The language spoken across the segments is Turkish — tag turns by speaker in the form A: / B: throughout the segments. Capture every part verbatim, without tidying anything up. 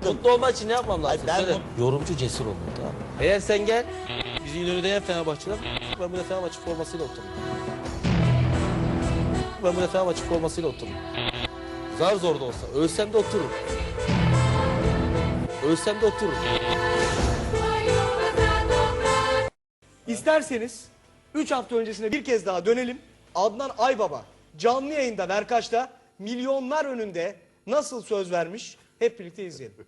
A: anladım.
B: Mutlu olmak için ne yapmam lazım?
A: Hayır, ben
B: Söyle. Yorumcu cesur olun, tamam mı? Eğer sen gel, bizi İnönü'de yen Fenerbahçe'den, ben burada Fenerbahçe formasıyla otururum. Ben burada Fenerbahçe formasıyla otururum. Zar zor da olsa, ölsem de otururum. Ölsem de otururum.
C: İsterseniz üç hafta öncesine bir kez daha dönelim. Adnan Aybaba canlı yayında Berkaç'ta milyonlar önünde nasıl söz vermiş hep birlikte izleyelim.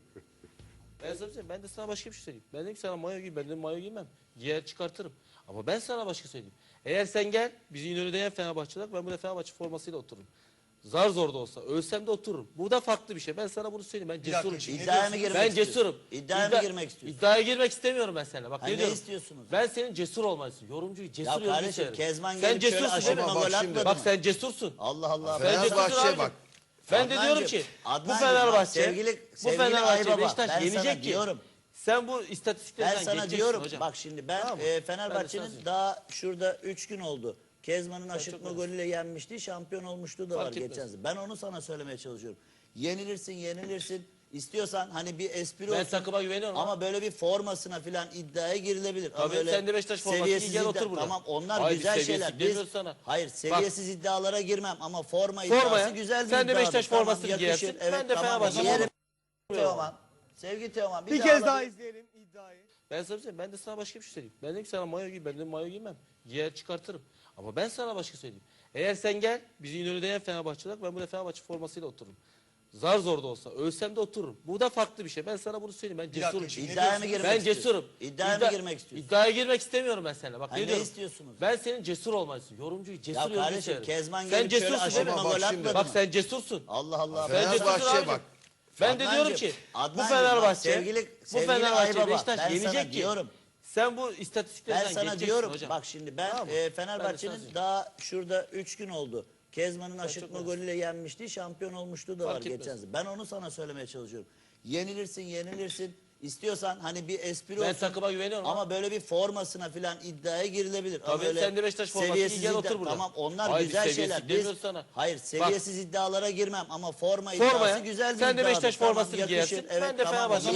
B: Ben sana söyleyeyim, ben de sana başka bir şey söyleyeyim. Ben dedim ki sana mayo giy, ben dedim mayo giymem. Giyer çıkartırım. Ama ben sana başka söyleyeyim. Eğer sen gel, bizi İnönü'de yen Fenerbahçe'den, ben burada Fenerbahçe formasıyla otururum. Zar zor da olsa, ölsem de otururum. Bu da farklı bir şey. Ben sana bunu söyleyeyim. Ben cesurum.
A: İddiaya mı girmek
B: Ben
A: istiyorsun?
B: cesurum.
A: İddiaya mı girmek istiyorsun?
B: İddiaya girmek istemiyorum ben seninle. Bak
A: Ha,
B: ne,
A: ne
B: diyorum?
A: istiyorsunuz?
B: Ben senin cesur olmanı istiyorum. Yorumcuyu cesur
A: Ya
B: yorumcu
A: kardeşim,
B: severim.
A: Kezban
B: Sen
A: gelip şöyle
B: cesursun
A: aşırı
B: değil mi?
A: gol
D: bak
A: atmadı
D: şimdi,
A: mı?
B: Bak sen cesursun.
A: Allah Allah.
B: Sen cesursun
D: Fenerbahçe
B: abi.
D: bak.
B: Ben de diyorum
A: Adnancığım,
B: ki bu
A: Adnancığım,
B: Fenerbahçe,
A: sevgili-
B: bu
A: sevgili
B: Fenerbahçe
A: Aybaba,
B: Beşiktaş
A: ben sana
B: yenecek ki.
A: diyorum.
B: Sen bu
A: Ben
B: istatistiklerden
A: sana
B: geçeceksin
A: diyorum
B: hocam.
A: bak şimdi ben
B: Tamam mı?
A: e,
B: Ben de
A: Fenerbahçe'nin
B: sana
A: daha şurada üç gün oldu. Kezman'ın aşırtma
B: etmez.
A: golüyle yenmişti, şampiyon olmuştu da var
B: Fark etmez.
A: geçen sene. Ben onu sana söylemeye çalışıyorum. Yenilirsin, yenilirsin. İstiyorsan hani bir espri
B: Ben
A: olsun.
B: takıma güveniyorum
A: Ama böyle bir formasına filan iddiaya girilebilir. Ama
B: Tabii,
A: öyle
B: sen de Beşiktaş forması giy,
A: seviyesiz
B: gel
A: iddia-
B: otur burada.
A: Tamam onlar
B: Hayır,
A: güzel
B: biz
A: şeyler.
B: seviyesiz
A: Biz,
B: demiyoruz sana.
A: hayır seviyesiz iddialara girmem ama forma iddiası
B: Formaya,
A: güzel bir
B: sen de
A: iddiadır.
B: Beşiktaş
A: Tamam,
B: formasını
A: yakışır.
B: giyersin,
A: Evet,
B: ben de
A: tamam,
B: Fenerbahçe
A: giyerim.
B: formasını
A: Teoman. Sevgili Teoman bir,
C: Bir
A: daha
C: kez daha
A: alabilir-
C: izleyelim iddiayı.
B: Ben sana söyleyeyim, ben de sana başka bir şey söyleyeyim. Ben dedim ki sana mayo giy, ben dedim mayo giymem. Giyer çıkartırım. Ama ben sana başka söyleyeyim. Eğer sen gel, bizi İnönü'de yen Fenerbahçe'den, ben burada Fenerbahçe formasıyla otururum. Zar zor da olsa, ölsem de otururum. Bu da farklı bir şey. Ben sana bunu söyleyeyim. Ben cesurum.
A: İddiaya mı girmek
B: Ben
A: istiyorsun?
B: cesurum.
A: İddiaya
B: İddia-
A: mı girmek istiyorsun?
B: İddiaya girmek istemiyorum ben seninle. Bak
A: Ha,
B: ne,
A: ne
B: diyorum?
A: istiyorsunuz?
B: Ben senin cesur olmanı istiyorum. Yorumcuyu cesur
A: Ya
B: yorumcu
A: kardeşim
B: severim.
A: Kezban
B: Sen
A: gelip şöyle
B: cesursun değil mi?
A: aşırtma
D: Bak
A: gol
D: şimdi.
A: atmadı
B: Bak
A: mı?
B: sen cesursun.
A: Allah Allah.
B: Sen cesursun
D: Fenerbahçe
B: abi.
D: bak.
B: Ben de diyorum
A: Adnancığım,
B: ki bu
A: Adnancığım, bak
B: Fenerbahçe,
A: sevgili-
B: bu
A: sevgili
B: Fenerbahçe
A: Aybaba,
B: Beşiktaş
A: ben sana
B: yenecek ki.
A: diyorum.
B: Sen bu
A: Ben
B: istatistiklerden
A: sana
B: geçeceksin
A: diyorum
B: hocam.
A: bak şimdi ben
B: Tamam mı?
A: e,
B: Ben de sana
A: Fenerbahçe'nin
B: söyleyeyim.
A: daha şurada üç gün oldu. Kezman'ın aşırtma
B: çok
A: golüyle yenmişti, şampiyon olmuştu da var
B: Fark etmez.
A: geçen sene. Ben onu sana söylemeye çalışıyorum. Yenilirsin, yenilirsin. İstiyorsan hani bir espri
B: Ben
A: olsun.
B: takıma güveniyorum
A: Ama böyle bir formasına filan iddiaya girilebilir. Ama
B: Tabii,
A: öyle
B: sen de Beşiktaş forması giy,
A: seviyesiz
B: gel
A: iddia-
B: otur burada.
A: Tamam onlar
B: Hayır,
A: güzel
B: biz
A: şeyler.
B: seviyesiz
A: Biz,
B: demiyoruz sana.
A: hayır seviyesiz iddialara girmem ama forma iddiası
B: Formaya,
A: güzel bir
B: sen de
A: iddiadır.
B: Beşiktaş
A: Tamam,
B: formasını
A: yakışır.
B: giyersin,
A: Evet,
B: ben de
A: tamam,
B: Fenerbahçe